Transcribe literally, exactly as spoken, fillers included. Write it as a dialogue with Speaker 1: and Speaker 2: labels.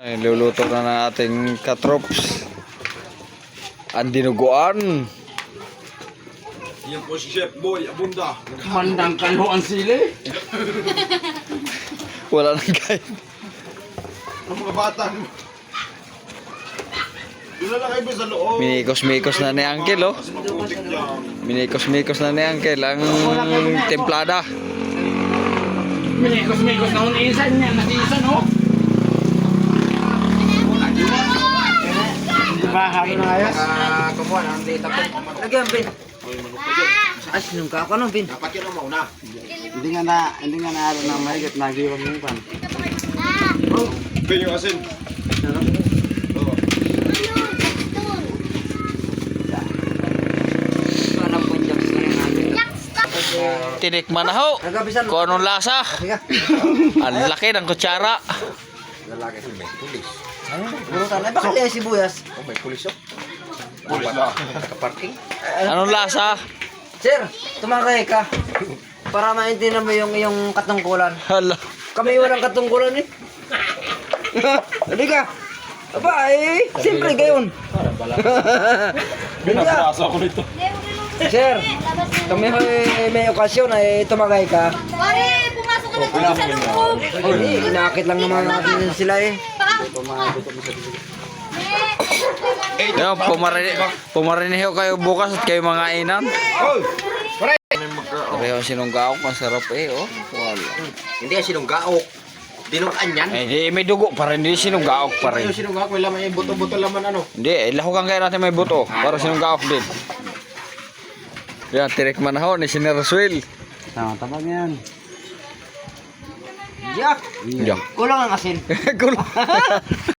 Speaker 1: Luluto na ng ating katrops. Ang dinuguan.
Speaker 2: Yan po si Chef Boy Abunda.
Speaker 3: Mandang kayo ang sili.
Speaker 1: Wala nang kain.
Speaker 2: Ang mga bata. Doon na lang kayo sa loob.
Speaker 1: Minikos-mikos na ni Uncle, oh.
Speaker 2: Kasi maputik yan.
Speaker 1: Minikos-mikos na ni Uncle ang templada.
Speaker 3: Minikos-mikos na unisan niya. Nasisan, oh. Di ba, halo na ayos?
Speaker 4: Kumuha na ang data po. Lagyan, Ben. Ay, sinungka ako, no, Ben?
Speaker 2: Dapat yun ang mauna.
Speaker 3: Hindi nga na, hindi nga na halo na mahigit. Nagiwag mo pan.
Speaker 2: Ben yung asin. Oo.
Speaker 4: Alam ko yung jokes ko yung natin.
Speaker 1: Tinikman na ho.
Speaker 4: Nagabisan mo.
Speaker 1: Kung anong lasa.
Speaker 4: Sige.
Speaker 1: Ang laki ng kutsara.
Speaker 2: Lalaki sa may pulis.
Speaker 4: Burutan. Ay, bakit yung sibuyas?
Speaker 2: Oh, may pulis oh. Pulis ba? Nakaparking?
Speaker 1: Anong lasa?
Speaker 4: Sir, tumakay ka. Para maintindihan mo yung, yung katungkulan.
Speaker 1: Hala.
Speaker 4: Kami walang katungkulan eh. Hindi ka. Aba, eh. Siyempre, gayon.
Speaker 2: Binabasa ako nito.
Speaker 4: Sir, kami may, may okasyon ay tumakay ka.
Speaker 5: Pare, pumasok ka na dito sa loob.
Speaker 4: Hindi, inakit lang naman natin sila eh.
Speaker 1: Yo, pumarini, pumariniho kayo bukas at kayo mga inan. Pareho sinunggaok, masarap eh, oh. Wala.
Speaker 2: Hindi yan sinunggaok. Dinukaan yan.
Speaker 1: Eh, di, may dugo pa rin, hindi sinunggaok pa rin.
Speaker 2: Yung sinunggaok, may laman yung buto-buto laman ano.
Speaker 1: Hindi, eh, lahukan kayo natin may buto, para sinunggaok din. Yan, tinikman na ho ni Siner Roswell.
Speaker 3: Tama, tabag yan.
Speaker 4: Jack,
Speaker 1: Yan.
Speaker 4: kulang ang asin.
Speaker 1: Kulang.